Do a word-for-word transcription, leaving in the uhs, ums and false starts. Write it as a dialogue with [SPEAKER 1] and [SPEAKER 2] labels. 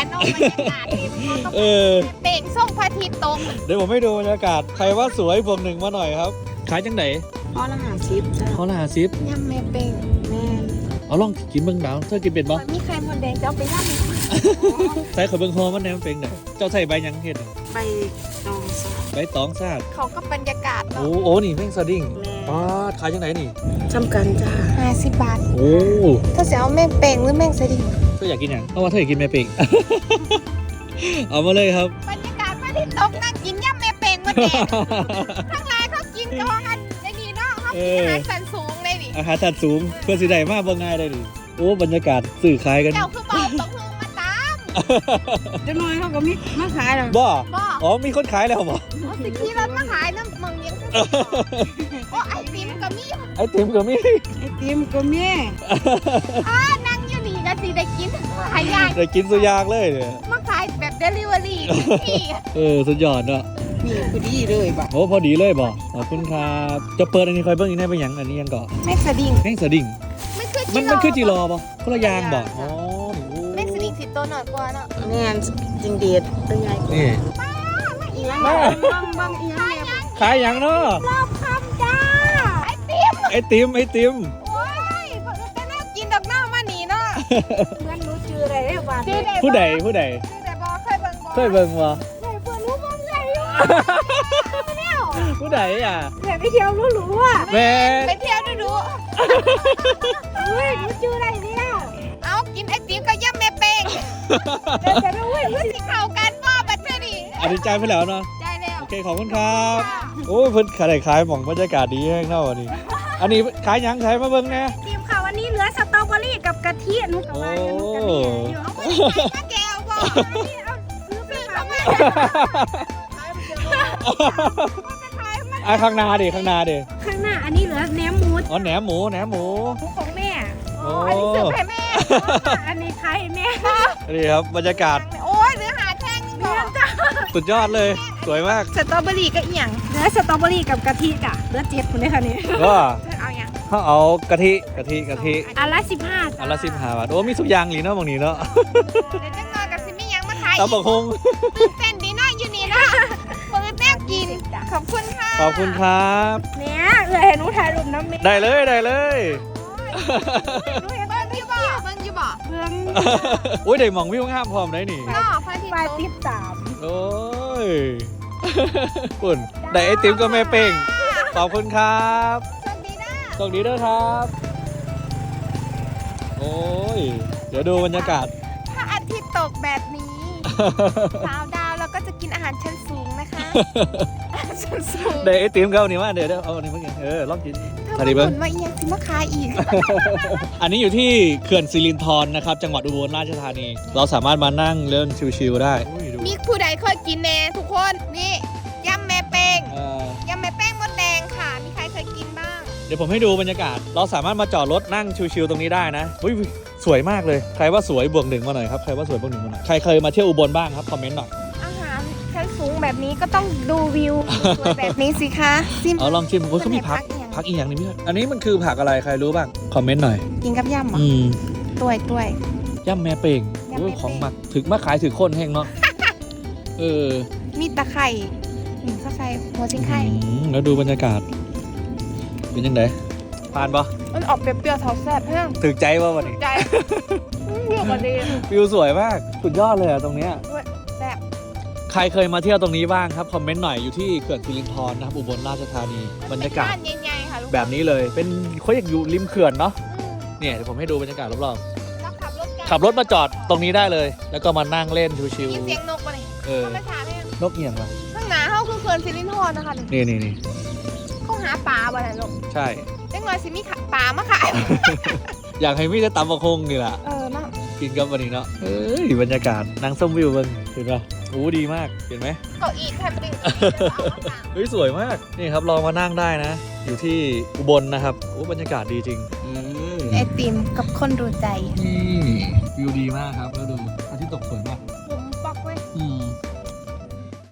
[SPEAKER 1] นอกบรรยากาศที่มันต้อง
[SPEAKER 2] เออ
[SPEAKER 1] เป่งส่งพระอาทิตย์ตก
[SPEAKER 2] เดี๋ยวผมให้ดูบรรยากาศใครว่าสวยบวกหนึ่งมาหน่อยครับขายจังไหน
[SPEAKER 3] พอละหาชิปจ้ะ
[SPEAKER 2] เขาละหาซิป
[SPEAKER 1] ย่ำแม่เป่ง
[SPEAKER 3] แม่
[SPEAKER 2] เอาลองกินเบิ่งดาวเธอกินเป็นบ่
[SPEAKER 1] มีไข่มดแดงจะเอาไปย่ำไหม
[SPEAKER 2] ใส่ขอเบิ่งฮอมันแหนมเป็นไหนเจ้าใส่ใบหยังเห็ดน่ะ
[SPEAKER 3] ไปตองสา
[SPEAKER 2] ใบตองซาด
[SPEAKER 1] เขาก็บรรยากาศ
[SPEAKER 2] โอ้
[SPEAKER 1] เนาะ
[SPEAKER 2] โอ้นี่แม่งสดิ้ง
[SPEAKER 3] แม่
[SPEAKER 2] ป้าดขายจังไหนนี่
[SPEAKER 3] จำกันจ้า
[SPEAKER 1] ห้าสิบบาท
[SPEAKER 2] โอ้
[SPEAKER 1] ถ้าจะเอาแม่เป่งหรือแม่งสดิ้ง
[SPEAKER 2] เธออยากกินหยังเพราะว่าเธออยากกินแม่เป็ง เอามาเลยครับ
[SPEAKER 1] บรรยากาศพระอาทิตย์ตกนั่งกินย่ำแม่เป่งมาแดงข้างหลายเขากินกองกันอย่างนี้เนาะเขากินอาหารสันสูงเลยดิ
[SPEAKER 2] อาหารสัตว์สูงเพื่อสิได้มากบ่ง่ายได้ดิโอ้บรรยากาศสื่อขายกัน
[SPEAKER 1] เจ้าคือบอกต้องฮือมาตาม
[SPEAKER 3] จะน้อยเขาก็มีมาขายแล้ว
[SPEAKER 2] บ่
[SPEAKER 1] บอก
[SPEAKER 2] อ๋อมีคนขายแล้วบ่
[SPEAKER 1] เอาสิขี่รถมาขายน้ำมึงยังคือโอ้ไอติมก็มี
[SPEAKER 2] ไอติมก็มี
[SPEAKER 3] ไอติมก็มี
[SPEAKER 1] อ่านั่งอยู่นี่ก็สิได้กินขายยาก
[SPEAKER 2] ได้กินสุดยากเลยเนี่ย
[SPEAKER 1] มาขายแบบเดลิเวอรี่นี่
[SPEAKER 2] เออสุดยอดเนาะ
[SPEAKER 3] มีพอดีเลยบ่ะ
[SPEAKER 2] โอ้พอดีเลยบ่ขอบคุณครับจะเปิดอันนี้คอยเบิ่งอีกได้เป็นหยังอันนี้ยังก่อ
[SPEAKER 1] แม็กสดิ้ง
[SPEAKER 2] แม่งสดิ้ง
[SPEAKER 1] ไม่คือ
[SPEAKER 2] มันมันคือจีรอบ่คนละอยางบ่อ๋อนี่โอ้
[SPEAKER 1] แม็กสดิ้งสิโตหน่อยกว่าเนาะ
[SPEAKER 3] แม่นจริงเด็ดตัวใหญ่กว่า
[SPEAKER 2] นี่
[SPEAKER 3] อีหยัง
[SPEAKER 2] มา
[SPEAKER 3] บางบางอีหยังเนี่ย
[SPEAKER 2] ขายหยังเนาะ
[SPEAKER 1] รอบคำจ้าไอติม
[SPEAKER 2] ไอติมไอติม
[SPEAKER 1] โอ้ยเป็นน่ากินดอกหน้ามาหนีเนาะ
[SPEAKER 3] เหมือนรู้ชื่ออะไรได้บ่ะ
[SPEAKER 1] ชื่อใด
[SPEAKER 2] ผู้ใดผู้ใด
[SPEAKER 1] ชื่อใดบอเคยเบิ่งบอ
[SPEAKER 2] เคยเบิ่งบ่
[SPEAKER 1] เคยเบิ่งรู้บ้างไงอยู่เนี่ย
[SPEAKER 2] ผู้ใดอ่ะ
[SPEAKER 3] อยากไปเที่ยวรู้รู้อ่ะ
[SPEAKER 2] แม่
[SPEAKER 1] ไปเที่ยวดูดู
[SPEAKER 3] เฮ้ยรู้ชื่ออะไรเนี่ย
[SPEAKER 1] เอากินไอติมกับย่ำแม่เป้ง
[SPEAKER 3] เดี๋ยวจะรู้เว้ย
[SPEAKER 1] เพื่อสิเข้ากันบ่บัดเทื่อนี้
[SPEAKER 2] อธิใจไปแล้วเนาะ
[SPEAKER 1] ได้แล้ว
[SPEAKER 2] โอเคขอบคุณครับโอ้ยเพิ่นขายขายหม่องบรรยากาศดีแห้งเท่าอันนี้อันนี้ขายหยังขายมาเบิ่งแหน่
[SPEAKER 3] ทีมข่าววันนี้เหลือสตรอเบอรี่กับกะทิหนุกับว่าอยู่หนุกับเนี่ยอยู่
[SPEAKER 1] เอาไปใส่มาแก้วบ่
[SPEAKER 3] นี่เอาซื้อไป
[SPEAKER 1] ซื้อ
[SPEAKER 3] ฝา
[SPEAKER 1] เข้าก มา
[SPEAKER 2] อ่ะข้างหน้าดิข้างหน้าดิ
[SPEAKER 3] ข้างหน้าอันนี้เหลือแหนมหมู
[SPEAKER 2] อ๋อแหนมหมูแหนมหมู
[SPEAKER 3] หมูของแม่
[SPEAKER 2] โอ้
[SPEAKER 1] อันนี้ซื้อให้แม่
[SPEAKER 3] อันนี้ใครแม่
[SPEAKER 2] นี่ครับบรรยากาศ
[SPEAKER 1] โอ้ยเหลือหาแท่งนึง
[SPEAKER 3] เลี้ยง
[SPEAKER 1] จ้ะ
[SPEAKER 3] จ้า
[SPEAKER 2] สุดยอดเลย สวยมาก
[SPEAKER 1] สตรอเบอรี่ก็อีหยัง
[SPEAKER 3] เหลือสตรอเบอรี่กับกะทิจ้ะเหลือเจ็ดคนเลยค่ะนี่
[SPEAKER 2] ก็
[SPEAKER 1] เธอเอาหยัง
[SPEAKER 2] ถ้าเอากะทิกะทิกะทิ
[SPEAKER 3] อันละสิบห้า
[SPEAKER 2] อันละสิบห้าบาทโอ้มีสุกอยางหลีเนาะบางนี้เนาะ
[SPEAKER 1] เดี๋ยวจังหน่อยกับสิมีหยังมาขาย
[SPEAKER 2] ตำบักฮง
[SPEAKER 1] ตื่นเต้นดีเนาะอยู่นี่นะเปิดแม่กินขอบคุณค่ะ
[SPEAKER 2] ขอบคุณครับ
[SPEAKER 3] เนี่ยเหลือเห็นหนูถ่ายรูปน้ำเมย์
[SPEAKER 2] ได้เลยได้เลย
[SPEAKER 1] หนูเห็นเบิ้งอยู่บ่เบิ้งอยู่บ่
[SPEAKER 3] เพื่อน
[SPEAKER 2] โอ้ยได้หมองวิวงามพร้อมได้นี่
[SPEAKER 1] เนาะพระอาทิตย์
[SPEAKER 3] ปลาย
[SPEAKER 1] ต
[SPEAKER 3] ติ
[SPEAKER 1] ก
[SPEAKER 3] ดสาม
[SPEAKER 2] โอ้ย ปุ่นได้ไอติมก็แม่เป่งขอบคุณครับ
[SPEAKER 1] สวัสดีนะ
[SPEAKER 2] สวัสดีด้วยครับ โอ้ย เดี๋ยวดูบรรยากาศ
[SPEAKER 1] พระอาทิตย์ตกแบบนี้สาวดาวเราก็จะกินอาหารชั้นสูงนะคะอาหารชั้นสูง
[SPEAKER 2] ได้ไอติมเขานี่ว่าเดี๋ยวเดี๋ยวเอาอันนี้มากินเออลองกิน
[SPEAKER 1] ถ้า
[SPEAKER 2] สวัสดีเบิ้ง
[SPEAKER 1] ผลมาเอียงสิมาขายอีก
[SPEAKER 2] อันนี้อยู่ที่เขื่อนสิรินธรนะครับ จังหวัดอุบลราชธานี เราสามารถมานั่งเล่นชิวๆได้อุ้ยดู
[SPEAKER 1] มีผู้ใดเคยกินแน่ทุกคนนี่ยำแม่เป้ง
[SPEAKER 2] เอ่อย
[SPEAKER 1] ำแม่เป้งมดแดงค่ะ มีใครเคยกินบ้าง
[SPEAKER 2] เดี๋ยวผมให้ดูบรรยากาศ เราสามารถมาจอดรถนั่งชิวๆตรงนี้ได้นะอุ้ยสวยมากเลย ใครว่าสวยบวกหนึ่งมาหน่อยครับ ใครว่าสวยบวกหนึ่งมาหน่อย ใครเคยมาเที่ยวอุบลบ้างครับ คอมเมนต์หน่อย
[SPEAKER 1] อาหารชั้นสูงแบบนี้ก็ต้องดูวิวสวยแบบนี้สิคะซิม
[SPEAKER 2] เอาลองชิมโอ้ยเขามีผัก ผักอีกอย่างหนึงพี่อันนี้มันคือผักอะไร ใครรู้บ้าง คอมเมนต์หน่อย
[SPEAKER 1] กินกับยำเหรอ
[SPEAKER 2] อืม
[SPEAKER 1] ตัวยตัวย
[SPEAKER 2] ย่ำแม่เป่ง
[SPEAKER 1] ย่ำแม่เป่ง
[SPEAKER 2] โอ้ยของหมัก ถึงมาขายถึงคนแห้งเนาะ เออ
[SPEAKER 1] มีตะไคร่หนึ่งข้าวใส่หัวชิงไข่
[SPEAKER 2] อืมแล้วดูบรรยากาศ เป็นยังไงผ่านปะ
[SPEAKER 1] มันออกเปรี้ยวๆเทาแซ่บเพื่อน
[SPEAKER 2] ถึกใจป่ะวันนี้
[SPEAKER 1] ใจเรื่องวันดี
[SPEAKER 2] วิวสวยมาก สุดยอดเลยอะตรงเนี้ย
[SPEAKER 1] แซ่บ
[SPEAKER 2] ใครเคยมาเที่ยวตรงนี้บ้างครับ คอมเมนต์หน่อยอยู่ที่เขื่อนสิรินธรนะครับ อุบลราชธานี บรรยากาศ
[SPEAKER 1] เป็นใหญ่ๆค่ะลูก
[SPEAKER 2] แบบนี้เลย เป็นเขาอยากอยู่ริมเขื่อนเนาะ
[SPEAKER 1] อืม
[SPEAKER 2] เนี่ยเดี๋ยวผมให้ดูบรรยากาศรอบ
[SPEAKER 1] แล้วขับรถกัน
[SPEAKER 2] ๆ ขับรถมาจอดตรงนี้ได้เลย แล้วก็มานั่งเล่นชิว
[SPEAKER 1] มีเสียงนกมาเลย
[SPEAKER 2] ๆ เออ
[SPEAKER 1] เขาไม่ถามเลย
[SPEAKER 2] นกเอียงปะ
[SPEAKER 1] ข้างหน้าเขาคือเขื่อนสิรินธรนะคะ
[SPEAKER 2] นี่นี่นี่
[SPEAKER 1] เขาหาปลาบ่ได้ลูก
[SPEAKER 2] ใช่
[SPEAKER 1] จังหน่อยสิมีปลามาขาย
[SPEAKER 2] อยากให้มีแต่ตำบักฮงนี่แหละ
[SPEAKER 1] เออเนาะ
[SPEAKER 2] กินกับวันนี้เนาะเอ้ยบรรยากาศนั่งส้มวิวเบิ่งเห็นปะโอ้ดีมาก เห็นไหม
[SPEAKER 1] เก้าอี้แคมปิ้ง
[SPEAKER 2] เฮ้ยสวยมาก นี่ครับลองมานั่งได้นะ อยู่ที่อุบลนะครับโอ้บรรยากาศดีจริงอืม
[SPEAKER 1] ไอติมกับคนดูใจ
[SPEAKER 2] นี่วิวดีมากครับแล้วดูอาทิตย์ตกสวยมาก